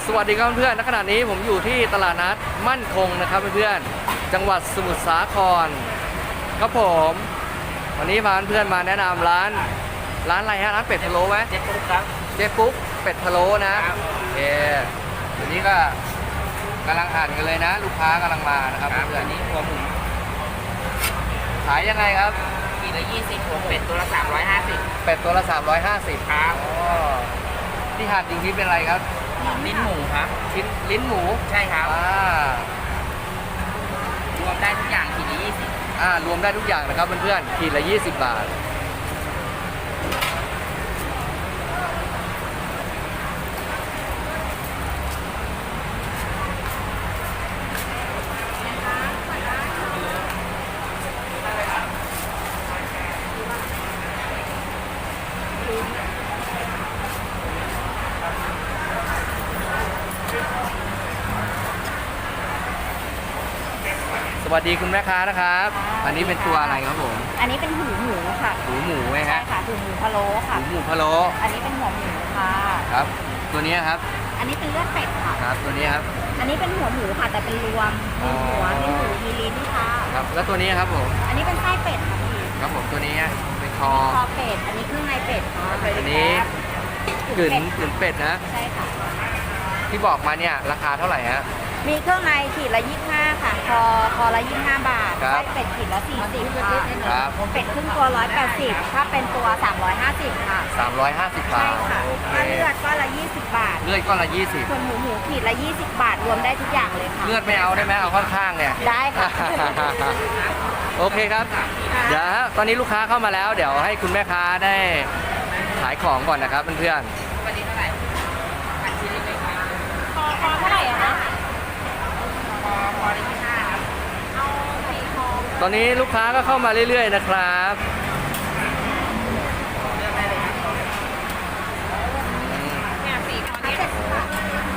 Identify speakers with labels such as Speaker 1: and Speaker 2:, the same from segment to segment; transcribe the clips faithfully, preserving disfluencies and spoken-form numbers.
Speaker 1: วัสดีครับเพื่อนๆณขณะนี้ผมอยู่ที่ตลาดนัดมั่นคงนะครับเพื่อนๆจังหวัดสมุทรสาครครับผมวันนี้พาเพื่อนๆมาแนะนำร้านร้านอะไรฮะร้านเป็ดพะโล้ไหม
Speaker 2: เจ๊ปุ๊กครับ
Speaker 1: เจ๊ปุ๊กเป็ดพะโล้นะโอเควันนี้ก็กำลังหั่นกันเลยนะ ลูกค้ากำลังมานะครับเพื่อน
Speaker 2: ๆนี้หัวหมู
Speaker 1: ขายยังไงครับ
Speaker 2: ขีดละยี่สิบหัวเป็ดตัวละสามร้อยห้าสิบ
Speaker 1: เป็ดตัวละสามร้อยห้าสิบ
Speaker 2: ครับ
Speaker 1: ที่หั่นจริงๆเป็นอะไรครับ
Speaker 2: ลิ้นหมูครับ
Speaker 1: ชิ้นลิ้นหมู
Speaker 2: ใช่ครับรวมได้ทุกอย่างขีดละยี่สิบ
Speaker 1: อ่ารวมได้ทุกอย่างนะครับเพื่อนๆขีดละยี่สิบบาทสวัสดีคุณแม่ค้านะครับอันนี้เป็นตัวอะไรครับผม
Speaker 3: อันนี้เป็นหูหมูค่ะ
Speaker 1: หูหมูไหมฮะ
Speaker 3: ใช่ค่ะหูหมูพะโล้ค่ะ
Speaker 1: หูหมูพะโล้
Speaker 3: อันนี้เป็นหัวหมูค่ะ
Speaker 1: ครับตัวนี้ครับ
Speaker 3: อันนี้เป็นเลือดเป็ดค่ะ
Speaker 1: ครับตัวนี้ครับ
Speaker 3: อันนี้เป็นหัวหมูค่ะแต่เป็นรวมมีหัวมีหูมีลิ้นค่ะ
Speaker 1: ครับแล้วตัวนี้ครับผม
Speaker 3: อันนี้เป็นไส้เป็ดค่ะพี่
Speaker 1: ครับผมตัวนี้เป็นคอ
Speaker 3: คอเป็ดอันนี้เครื่องในเป็ดค่ะ
Speaker 1: อันนี้กึ่นกึ่นเป็ดนะ
Speaker 3: ใช่ค่ะ
Speaker 1: ที่บอกมาเนี่ยราคาเท่าไหร่ฮะ
Speaker 3: มีเครื่องในขีดละยี่สิบห้าค่ะคอคอละยี่สิบห้าบาทไส้เป็ดขีดละสี่สิบค่ะ
Speaker 1: ครับ
Speaker 3: เป็ดครึ่งตัวร้อยแปดสิบถ้าเป็นตัวสามร้อยห้าสิบค่ะ
Speaker 1: สามร้อยห้าสิบบาท
Speaker 3: ใช่ค่ะถ้าเลือดก็ละยี่สิบบาท
Speaker 1: เลือดก็ละยี่สิบ
Speaker 3: ส่วนหมูหมูขีดละยี่สิบบาทรวมได้ทุกอย่างเลยค่ะ
Speaker 1: เลือดไม่เอาได้ไหมเอาข้างๆเนี่ย
Speaker 3: ได้ค่ะ
Speaker 1: โอเคครับเดี๋ยวตอนนี้ลูกค้าเข้ามาแล้วเดี๋ยวให้คุณแม่ค้าได้ขายของก่อนนะครับเพื่อน
Speaker 2: ๆวันนี้เท่าไหร่อันชิ้นเล็กๆครับ
Speaker 3: คอคอเท่าไหร่อะคะ
Speaker 2: คอคอละยี่สิบห้าครับ
Speaker 3: เอาสี่คอ
Speaker 1: ตอนนี้ลูกค้าก็เข้ามาเรื่อยๆนะครับ
Speaker 2: เลือกได้เลยครับ
Speaker 3: เนี่ยสี่คอนี้เจ็ดสิบบาท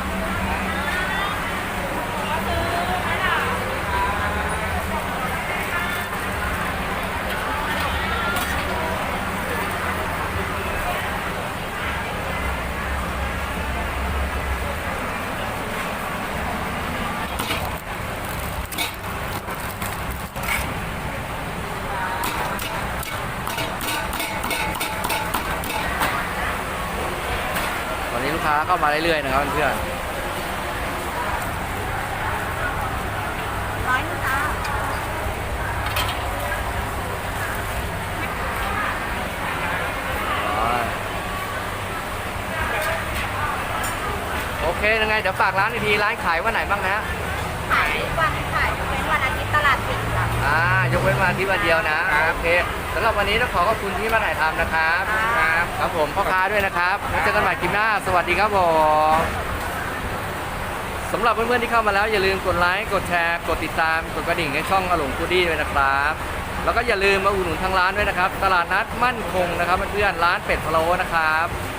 Speaker 1: ตอนนี้ลูกค้าเข้ามาเรื่อยๆนะครับเพื่อน
Speaker 3: ร้อยนึงจ้า
Speaker 1: โอเคยังไงเดี๋ยวฝากร้านอีกทีร้านขายวันไหนบ้างนะ
Speaker 3: ขายวันขายเป็นวันอาทิตย์ตลาดปิดค่ะ
Speaker 1: อ่ายกเว้นวันอาทิตย์วันเดียวนะโอเคสำหรับวันนี้ต้องขอขอบคุณที่มาถ่ายทำนะครับครับครับผมพ่อค้าด้วยนะครับแล้วเจอกันใหม่คลิปหน้าสวัสดีครับผมสำหรับเพื่อนๆที่เข้ามาแล้วอย่าลืมกดไลค์กดแชร์กดติดตามกดกระดิ่งในช่องอลงฟูดี้ด้วยนะครับแล้วก็อย่าลืมมาอุดหนุนทางร้านด้วยนะครับตลาดนัดมั่นคงนะครับเพื่อนๆร้านเป็ดพะโล้นะครับ